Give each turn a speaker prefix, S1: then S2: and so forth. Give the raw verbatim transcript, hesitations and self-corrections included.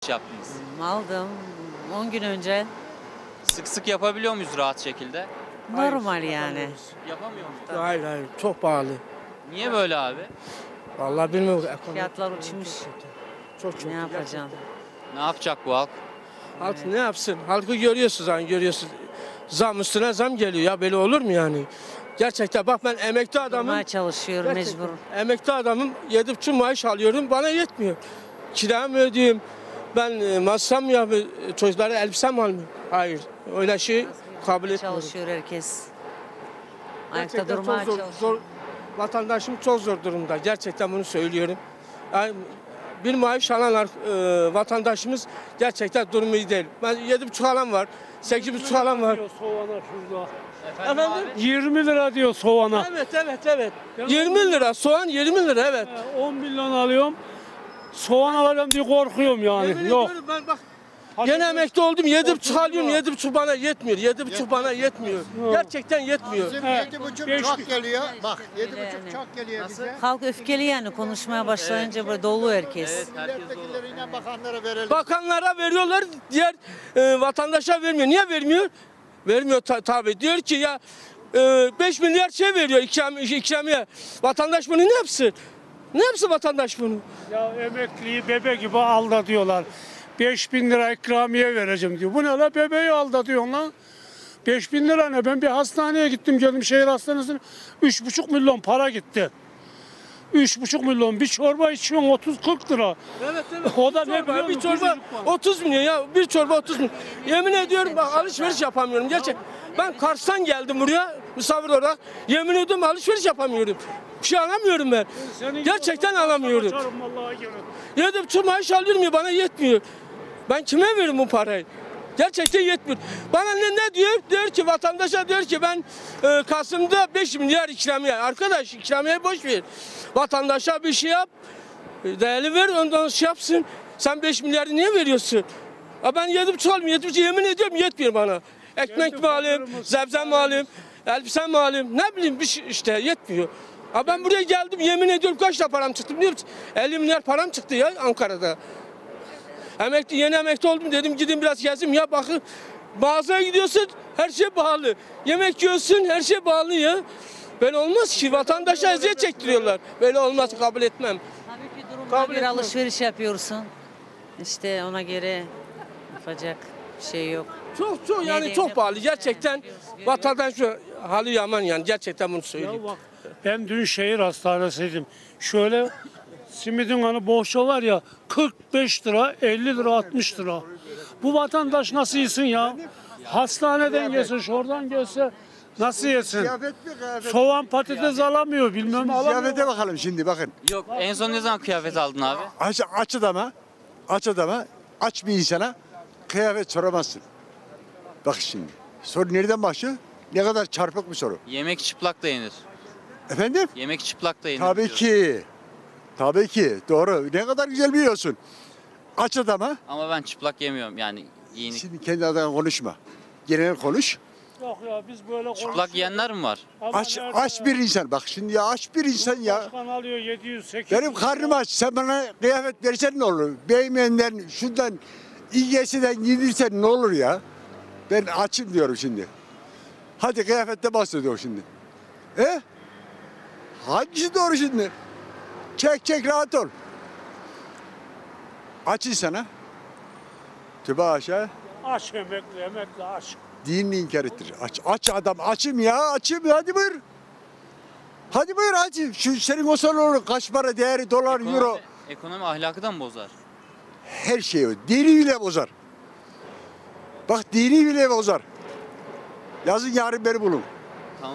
S1: yaptınız?
S2: Aldım on gün önce.
S1: Sık sık yapabiliyor muyuz rahat şekilde?
S2: Normal yani.
S1: Yapamıyor muyuz?
S3: Hayır hayır çok pahalı.
S1: Niye böyle abi?
S3: Vallahi bilmiyorum. Ekonomi
S2: Fiyatlar uçmuş.
S3: çok çok.
S2: Ne yapacaksın?
S1: Ne yapacak bu halk?
S3: Halk ne yapsın? Halkı görüyorsunuz hani görüyorsunuz. Zam üstüne zam geliyor ya böyle olur mu yani? Gerçekten bak ben emekli adamım.
S2: Durmaya çalışıyor
S3: Gerçekten
S2: mecbur.
S3: Emekli adamım yedi buçuk maaş alıyorum bana yetmiyor. Kiramı ödeyeyim. Ben e, masraf mı yapayım? Çocuklara elbise mi almıyorum? Hayır. Öyle şey kabul etmiyorum.
S2: Çalışıyor herkes. Ayakta
S3: Gerçekten
S2: durmaya
S3: çok zor,
S2: çalışıyor.
S3: zor. Vatandaşım çok zor durumda. Gerçekten bunu söylüyorum. Yani bir maaş alan e, vatandaşımız gerçekten durumu iyi değil. Ben yedi buçuk alan var. Sekiz buçuk alan var.
S4: Diyor soğana şurada.
S3: Efendim?
S4: yirmi lira diyor soğana.
S3: Evet evet evet. yirmi lira soğan yirmi lira evet.
S4: on milyon alıyorum. Soğan alacağım diye korkuyorum yani.
S3: Yemin
S4: Yok.
S3: ediyorum ben bak
S4: Hadi
S3: gene
S4: buyur.
S3: emekli oldum yedi buçuk
S4: otuz
S3: alıyorum
S4: lira.
S3: yedi buçuk bana yetmiyor. Yedi buçuk bana yetmiyor. Gerçekten yetmiyor.
S5: Bizim
S4: Evet.
S5: yedi buçuk
S4: Beş-
S5: çok geliyor. Bak yedi
S2: Yani.
S5: buçuk çok geliyor bize.
S2: Halk öfkeli yani konuşmaya başlayınca böyle dolu herkes.
S1: Evet, herkes dolu.
S5: Milletvekillerine bakanlara verelim.
S3: Bakanlara veriyorlar, diğer e, vatandaşa vermiyor. Niye vermiyor? Vermiyor ta- tabii. Diyor ki ya e, beş milyar şey veriyor ikram, ikramiye. Vatandaş bunu ne yapsın? Ne yapsın vatandaş bunu?
S4: Ya emekliyi bebe gibi aldatıyorlar. beş bin lira ikramiye vereceğim diyor. Bu ne la, bebeği aldatıyorsun lan. beş bin lira ne? Ben bir hastaneye gittim geldim, şehir hastanesine. üç buçuk milyon para gitti. üç buçuk milyon bir çorba içiyorsun otuz kırk lira.
S3: Evet evet.
S4: O da
S3: Bir
S4: ne
S3: çorba,
S4: biliyor
S3: bir
S4: musun?
S3: çorba
S4: Küçücük var.
S3: otuz milyon ya. Bir çorba otuz milyon. Yemin ediyorum bak alışveriş yapamıyorum. Gerçek. Ben Kars'tan geldim buraya misafir olarak. Yemin ediyorum alışveriş yapamıyorum. Bir şey alamıyorum ben.
S4: Senin
S3: Gerçekten
S4: gibi olsa
S3: alamıyorum.
S4: kaçarım vallahi gene.
S3: Yedi buçuk maaş alıyorum ya bana yetmiyor. Ben kime veririm bu parayı? Gerçekten yetmiyor. Bana ne, ne diyor? Diyor ki vatandaşa diyor ki ben e, Kasım'da beş milyar ikramiye. Arkadaş ikramiye boş ver. Vatandaşa bir şey yap. e, Değerli ver ondan şey yapsın. Sen beş milyarı niye veriyorsun? Ha ben yedi buçuk alayım. Yedi buçuk yemin ediyorum yetmiyor bana. Ekmek mi alayım? Zebze mi alayım? Elbise mi alayım? Ne bileyim bir şey işte yetmiyor. Ha ben buraya geldim yemin ediyorum kaç lira param çıktı biliyor musun? elli milyar param çıktı ya Ankara'da. Emekli yeni emekli oldum dedim gidin biraz gezeyim ya bakın mağazaya gidiyorsun her şey pahalı. Yemek yiyorsun her şey pahalı ya. Böyle olmaz ki vatandaşa eziyet çektiriyorlar. Böyle olmaz kabul etmem.
S2: Tabii ki durumuna
S3: Kabul
S2: göre
S3: etmem.
S2: alışveriş yapıyorsun. İşte ona göre yapacak bir şey yok.
S3: Çok çok
S2: Ne
S3: yani
S2: diyeyim,
S3: çok
S2: ne
S3: pahalı
S2: konuşayım,
S3: gerçekten
S2: biliyoruz, görüyoruz.
S3: vatandaş şu hali yaman yani gerçekten bunu söyleyeyim.
S4: Ya bak, ben dün şehir hastanesiydim. Şöyle simidin hani bohça var ya, kırk beş lira, elli lira, altmış lira. Bu vatandaş nasıl yesin ya? Hastaneden yesin, şuradan gelse nasıl yesin?
S5: Ziyafet mi kıyafet?
S4: Soğan patates alamıyor, bilmem
S5: Ziyafete
S4: alamıyor.
S5: bakalım şimdi bakın.
S1: Yok, en son ne zaman kıyafet aldın abi?
S5: Aç, aç adama, aç adama, aç bir insana kıyafet soramazsın. Bak şimdi. Soru nereden başlıyor? Ne kadar çarpık bir soru.
S1: Yemek çıplak da yenir.
S5: Efendim?
S1: Yemek çıplak da yenir.
S5: Tabii
S1: diyoruz.
S5: ki. Tabii ki. Doğru. Ne kadar güzel biliyorsun. Aç adama.
S1: Ama ben çıplak yemiyorum yani giyinik.
S5: Şimdi kendi adına konuşma. Genel konuş.
S4: Yok ya, biz böyle
S1: Çıplak yiyenler mi var?
S4: Ama
S5: Aç,
S4: nerede
S5: aç
S4: ya?
S5: bir insan. Bak şimdi ya aç bir insan ya.
S4: Başkan alıyor yedi yüz sekiz yüz.
S5: Benim karnım aç. Sen bana kıyafet versen ne olur? Beymenden, şundan, İGS'den giydirsen ne olur ya? Ben açım diyorum şimdi. Hadi kıyafette bahsediyor şimdi. E? Hangisi doğru şimdi? Çek çek rahat ol. Aç insana. Tübe aşağı.
S4: Aç emekli, emekli aç.
S5: Dinini inkar ettir. Aç, aç adam. Açım ya. Açım. Hadi buyur. Hadi buyur aç. Şu senin o salonu kaç para değeri dolar,
S1: Ekonomi,
S5: euro.
S1: ekonomi ahlakı da mı bozar?
S5: Her şeyi o. Dini bile bozar. Bak dini bile bozar. Yazın yarın beni bulun.